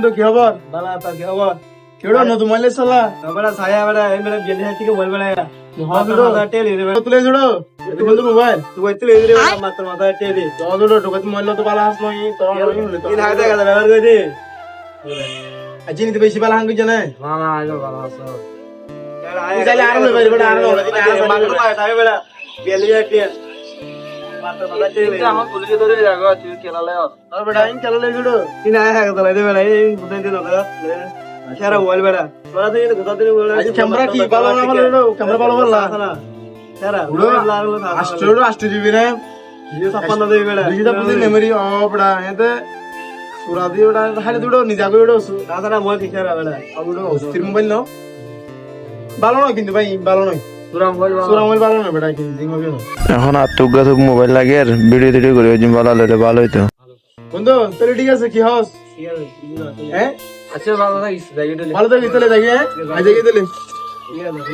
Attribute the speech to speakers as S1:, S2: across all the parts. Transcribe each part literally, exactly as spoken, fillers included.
S1: কি খবর?
S2: বালা তা কি খবর?
S1: কেডো নতুন মোবাইল চলা?
S2: বড় ছায়া বড় এই মেরে গেলি হাতি কে বল বড়
S1: হ্যাঁ দুটো
S2: টেলি রে
S1: তুলে জুড়ো এটা কিন্তু মোবাইল
S2: তুই বইতে লে রে মাত্র মাথা টেলি
S1: তো জুড়ো ঢোকাতে মোবাইল তো বালা হাস নই তো
S2: তিন হাজার টাকা ব্যবহার করে দে
S1: আজি নিতে বেশি বালা হাঙ্গি জানে
S2: না না আইলো বালা আছে
S1: চাইলে আরো লই বড় আরো
S2: মাত্র তাই বড় গেলি হাতি মাত্র মাথা টেলি আমার পুলিশে ধরে যাগো তুই খেলালে
S1: আর বড় আইন চলে লে জুড়ো
S2: তিন হাজার টাকা দলাই দে বড় এই বুঝাই দিল না সারা মোবাইল বড় তোরা দিন কথা দিন বড়
S1: আজ ক্যামেরা কি ভালো না ভালো ক্যামেরা ভালো ভালো
S2: না সারা
S1: আষ্ট্রো আষ্ট্রো জিবি রে
S2: ছাপ্পান্ন দেবী বেড়া
S1: দুইটা পুজি মেমরি অ বড়া এতে সুরা দি ওটা হালে দুটো নিজা করে ওটা
S2: তাছাড়া মোবাইল ঠিক আছে বেড়া
S1: ওটা অস্থির মোবাইল নাও ভালো নয় কিন্তু ভাই ভালো নয়
S2: পুরা মোবাইল
S1: সুরা মোবাইল ভালো নয় বেটা কিন্তু জিং হবে না
S3: এখন আত্মুক গাতুক মোবাইল লাগে আর ভিডিও টিডিও করে ওই ভালো হলে ভালো হইতো
S1: বন্ধু তাহলে ঠিক আছে কি হস হ্যাঁ
S2: আচ্ছা ভালো থাকিস যাই গেলে
S1: ভালো থাকি তাহলে যাই হ্যাঁ আজ যাই তাহলে
S2: ঠিক আছে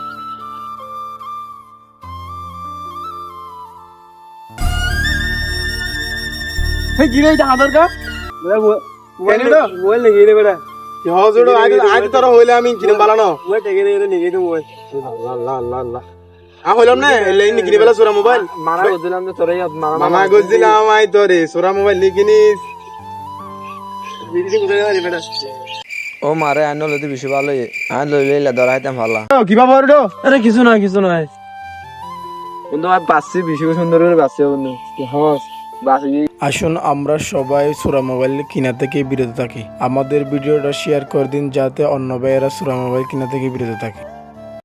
S1: হে কি রে এটা আধার কা
S2: মোবাইল মোবাইল নেই রে বেড়া
S1: কি হস ওটা আজ আজ তোর হইলে আমি কিনে ভালো না
S2: মোবাইল টেকে রে নিয়ে তো মোবাইল
S1: আল্লাহ আল্লাহ আল্লাহ আ হইলাম না লেই নি কিনে বেলা সুরা মোবাইল
S2: মারা গদিলাম তো তোরাই মারা
S1: মামা গজিলাম আই তোরে সুরা মোবাইল নি কিনিস
S2: দিদি কোথায় রে বেড়া
S3: ও মারে আইন লইতে বেশি ভালো আইন লইলে ধরা হইতাম ভালো
S1: কি বাবা ওটা
S2: আরে কিছু না কিছু না বন্ধু আমি বাসছি বেশি সুন্দর করে বাসছি বন্ধু হস বাসি
S4: আসুন আমরা সবাই সুরা মোবাইল কিনা থেকে বিরত থাকি। আমাদের ভিডিওটা শেয়ার করে দিন যাতে অন্য ভাইয়েরা সুরা মোবাইল কিনা থেকে বিরত থাকে।